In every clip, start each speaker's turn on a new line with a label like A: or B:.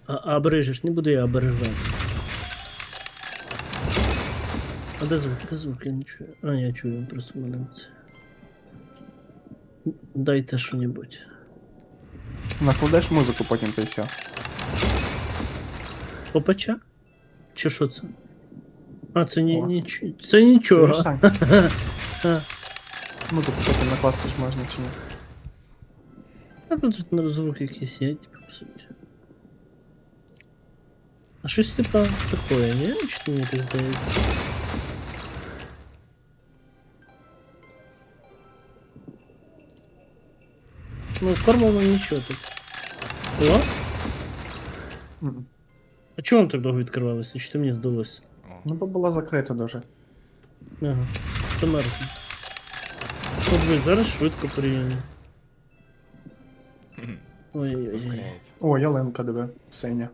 A: А бережеш, не буду я обережати. А де звук? Де звук? Я не чую. А, я чую, просто маленьце. Дайте що-небудь.
B: Накладеш музику, потім ти все.
A: Попача? Чи що це? А, це
B: О.
A: це нічого.
B: Чуєш, Сань?
A: А,
B: Музику потім накласти ж можна чи ні?
A: а тут звук якийсь є, типу, по суті. А щось типа такое, ні? Чи мені так здається? Ну, формула нічого тут. О?
B: Мгм.
A: А чого воно так довго відкривалося? Чи то мені здалося?
B: Ну, бо було закрито дуже.
A: Ага, це мертво. От ви зараз швидко порівняно. Ой-ой-ой.
C: Ускоряється.
B: О, ялинка, диви, синя.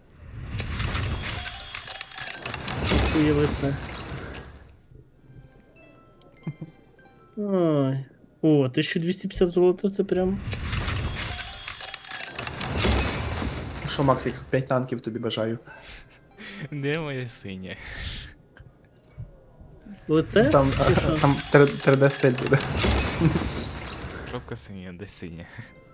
A: Уяви це. Ой. О, 1250 золота, це прям.
B: Що, Максик, 5 танків тобі бажаю.
C: Де моє синє?
A: Лице?
B: Там,
A: Чи що?
B: там 3D стиль буде.
C: Жовка синя, де синя?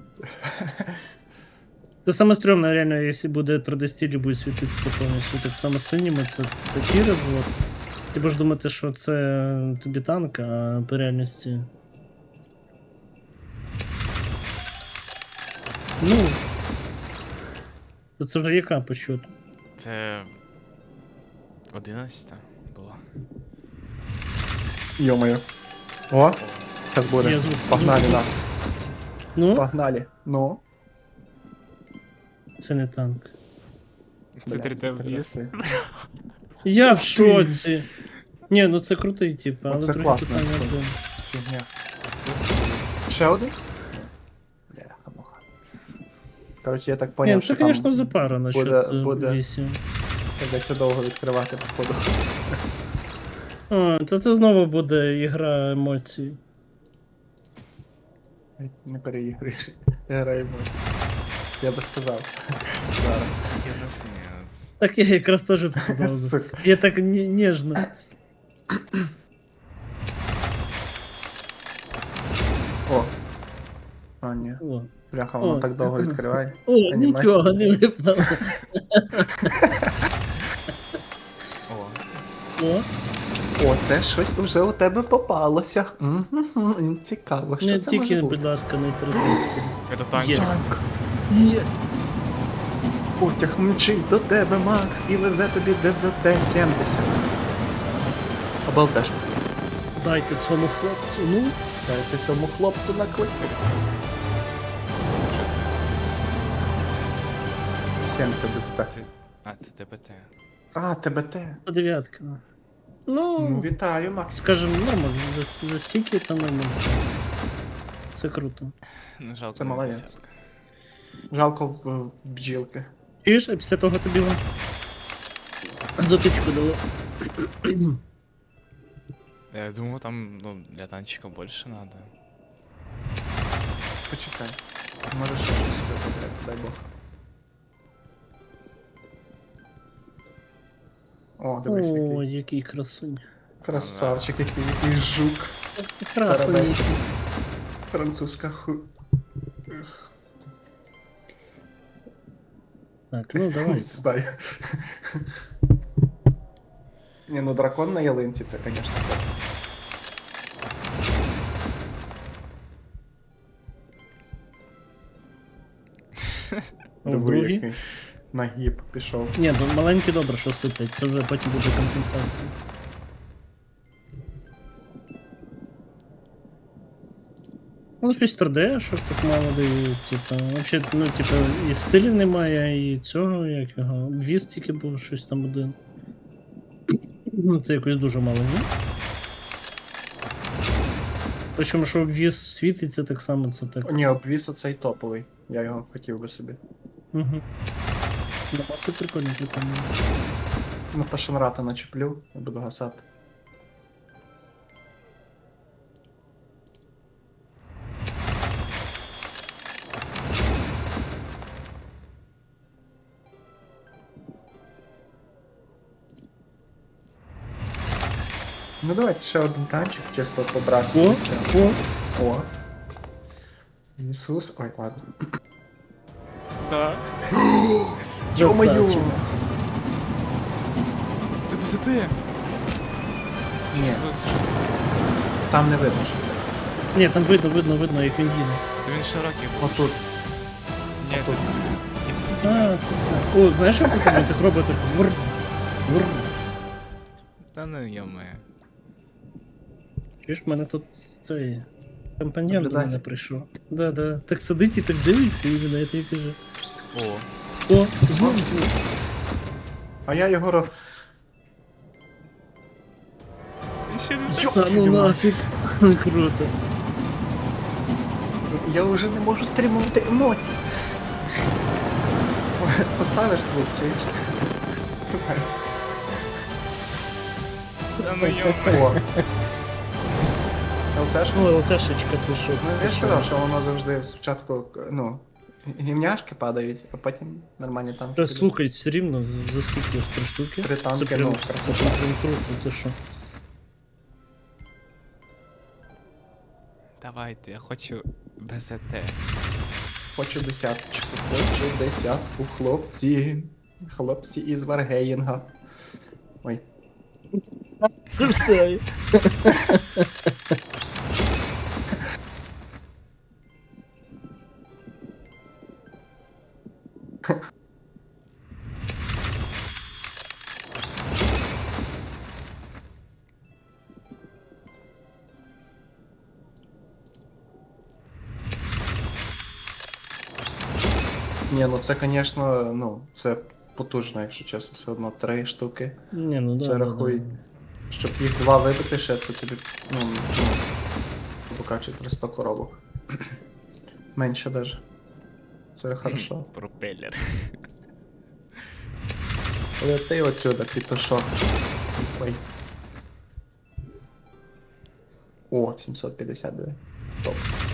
A: Це саме стрьомне, реально, якщо буде 3D стиль і буде світитися повністю так само синіми, це такий розвод. Ти будеш думати, що це тобі танк, а по реальності. Ну. То це яка по счету?
C: Це 11 була.
B: Йо-моє. О, зараз буде.
A: Є звук.
B: Погнали,
A: Звук.
B: на.
A: Ну,
B: Погнали. Ну.
A: це не танк.
C: Це
B: Бля,
C: 3D в'їзд.
A: Я в шоці. Ні, ну це крутий, тип, але
B: Оце
A: друге
B: класно.
A: питання. блін.
B: Фігня. Ще один? Бляха, муха. Коротше, я так
A: Ні,
B: поняв,
A: ну це,
B: що там
A: звісно, запара насчет
B: буде-
A: вісім.
B: придеться довго відкривати, походу.
A: А, це знову буде ігра емоцій.
B: Не переігруєш. Я граю. Я би сказав. Зараз.
C: Я на синя.
A: Так я якраз теж б сказав. би.
B: Сука.
A: Я так ніжно.
B: О. А, ні.
A: О,
B: Бляха, воно
A: О.
B: так довго відкриває.
A: О
B: Анімація.
A: нічого не випало.
C: О,
A: О,
B: О, це щось вже у тебе попалося. Мгм, цікаво, що
A: не
B: це
A: тільки,
B: може бути.
A: будь ласка, не традиції.
C: це танчик.
B: Танк.
A: Є.
B: Потяг мчить до тебе, Макс, і везе тобі ДЗТ-70. Обалдеш.
A: Дайте цьому хлопцю, ну.
B: Дайте цьому хлопцю накликатися.
C: Що це?
B: 70 ДЗТ.
C: Це... А, це ТПТ.
B: А, ТБТ.
A: Та дев'ятка.
B: Ну,
A: Ну,
B: вітаю, Макс.
A: скажем, нормально, за стільки там нормально. Це круто.
C: Ну, жалко,
B: Це
C: не
B: молодець.
C: десятка.
B: Жалко в бджілки.
A: Чуєш, а після того тобі затичку дало.
C: Я думав, там, ну, для танчика більше надо.
B: Почекай. Може ще щось випаде, дай Бог. О, дивись,
A: О,
B: який
A: який красунь.
B: красавчик, який жук.
A: Красунь
B: Тарабей.
A: який.
B: Французька
A: Так, ну давай.
B: Не знаю. Не, ну дракон на ялинці, це, звісно, так.
A: О,
B: Диви,
A: другий.
B: який нагіб пішов.
A: Ні, ну маленький добре, що сиплять, це вже потім буде компенсація. Ну, щось 3D, що так мало дають, типа. Взагалі, ну, типа, і стилів немає, і цього, як його. Обвіз тільки був щось там один. Ну, це якось дуже мало, ні? Причому, що обвіз світиться так само, це так.
B: Ні, обвіс оцей топовий. Я його хотів би собі.
A: Угу. Ну, це прикольно, прикольно.
B: Ну, та шанрата начеплю і буду гасати. Ну давайте ще один танчик, чисто
A: О,
B: побрасуємо.
A: о,
B: О. Ісус. Ой, ладно.
C: Да.
B: Ё-моё!
A: красавчик.
C: Це позитив.
B: Ні, там не видно, що це.
A: Ні, там видно, як він їде.
C: Та він широкий був.
B: Отут.
C: Ні, це...
A: А, це. О, знаєш, що потрібно? Так робити. Вур. Вур.
C: Та ну йоме.
A: Чуєш, в мене тут цей компаньон до
B: Наблюдатель.
A: мене прийшов. Да. Так сидить і так дивиться, і він і каже.
C: О,
A: О, знову.
B: А я його
C: він ще не
B: Йо!
A: А ну нафіг. Круто.
B: Я вже не можу стримувати емоції. Поставиш звук, чуєш?
C: Та ну йоме.
B: О. ЛТшка.
A: Ну, ЛТшечка пішов.
B: Ну, я ж сказав, що воно завжди спочатку, ну, гімняшки падають, а потім нормальні танки.
A: Та
B: підуть.
A: слухай, все рівно, за скільки ось 3 штуки?
B: Три танки,
A: Це прям,
B: ну,
A: це
B: красота.
A: прям круто, ти що?
C: Давайте, я хочу БЗТ.
B: Хочу десяточку, хочу десятку, хлопці. Хлопці із Варгеїнга. Ой.
A: Встаю.
B: Ні, ну це, звісно, ну, це потужно, якщо чесно, все одно 3 штуки.
A: Ні, ну да.
B: Це рахуй. Щоб їх 2 вибити ще, це тобі, ну, покачує 300 коробок. Менше даже. Це хорошо.
C: Пропелер.
B: Лети отсюда, пітушок. Ой. О, 752. Топ.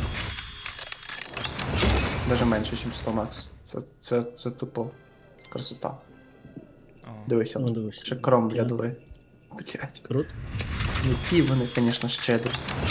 B: Даже менше, ніж 100 макс. Це тупо красота.
C: О,
B: Дивися,
A: Ну, дивись.
B: ще кромбля дали. Блять.
A: Круто.
B: Які вони, звісно, щедрі.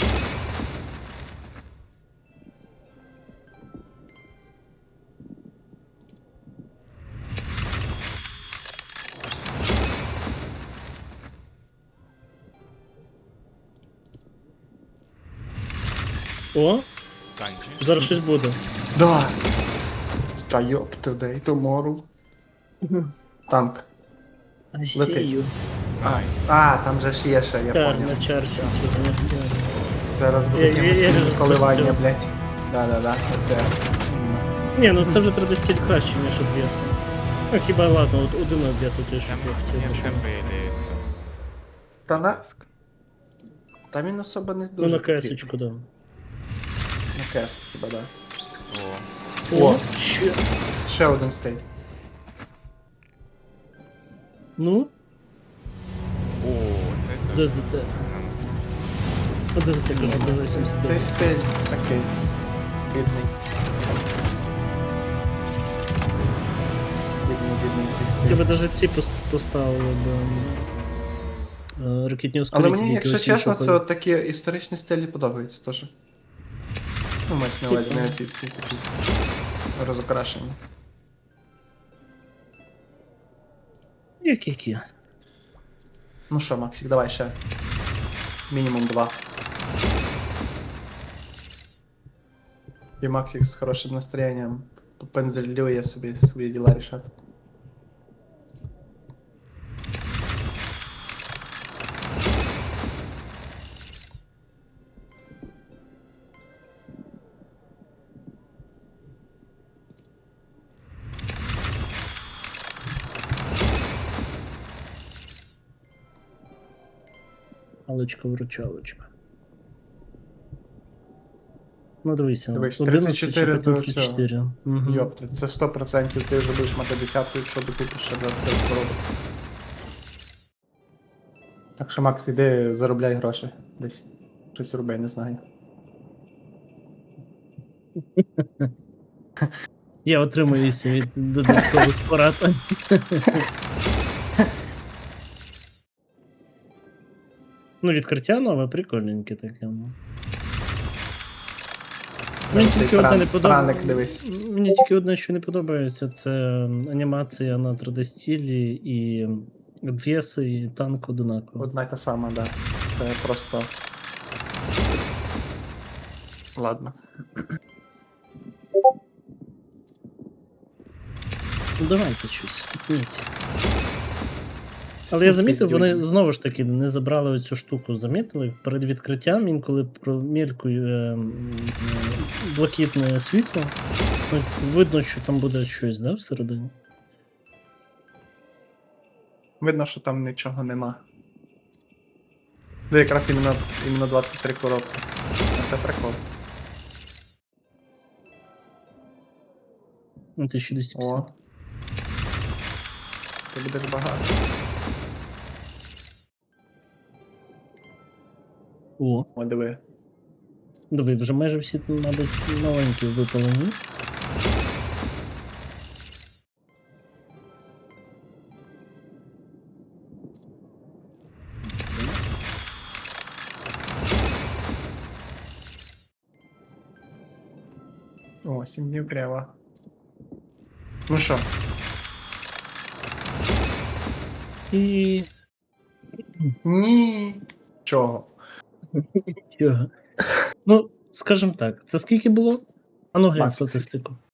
A: О,
C: танчик.
A: зараз щось буде.
B: Да! Та йоп today, tomorrow. Танк.
A: Сію.
B: Там же ж є ще, я
A: Чар,
B: понял.
A: на чарці.
B: Зараз
A: Я-
B: будуть
A: я
B: емоційні
A: ж
B: коливання,
A: постійно.
B: блять. Да, оце.
A: Ні, ну це вже треба стиль краще, ніж обвеси. Ну хіба ладно, от один обвес той, що
C: Там
A: я хотів.
C: є
A: щоб-
C: темпи і цю.
B: Та на...
C: Тиск.
B: Та він особо не
A: Ну
B: дуже
A: на
B: потрібний.
A: кесочку, да.
B: На кес, хіба, да.
C: О,
B: О.
A: ще.
B: Ще один стейт.
A: Ну,
C: о, це теж.
A: ДЗТ. А ДЗТ кажу, ДЗТ 79.
B: Цей стиль такий. Бідний. Бідний цей
A: Я би
B: стиль.
A: навіть ці поставили б ракетні
B: Але
A: ускорителі.
B: мені, якщо
A: якогось
B: чесно,
A: іншого
B: це от такі історичні стилі подобаються теж. Ну, мається на увазі, не ці всі такі розокрашені.
A: Які?
B: Ну що, Максик, давай ще. Мінімум 2. І Максик з хорошим настроєнням попензелює собі свої діла рішати.
A: Паличка-вручалочка. Ну дивися,
B: Дивись,
A: 11 чи
B: 34
A: потім
B: до
A: 34. Угу.
B: Йопта, це 100% ти вже будеш мати десятку, якщо докупиш ще 25 коробок. Так що, Макс, іди заробляй гроші десь. Щось роби, не знаю.
A: Я отримуюся від додаткових порад. Ну, відкриття нове, прикольненьке таке. Ну. Мені тільки одне не
B: Праник, дивись.
A: подобається. Мені тільки одне, що не подобається, це анімація на 3D-стілі і обвіси, і танк одинаково.
B: Одна й та сама, да. Це просто. Ладно.
A: Ну давайте щось, сипніть. Але я замітив, вони
B: Піздюльні.
A: знову ж таки не забрали оцю штуку. Замітили? Перед відкриттям інколи промількує блакитне світло. Ну, видно, що там буде щось, да, всередині?
B: Видно, що там нічого нема. Ну, якраз іменно 23 коробки. А це прикол.
A: Ну, 1250.
B: О. Ти будеш багато.
A: О,
B: О, диви.
A: диви, вже майже всі, мабуть, маленькі випалені.
B: О, 7 днів крева. Ну що,
A: І...
B: ні. Чого?
A: Чого? Ну, скажімо так, це скільки було? А ну глянь
B: 20.
A: статистику.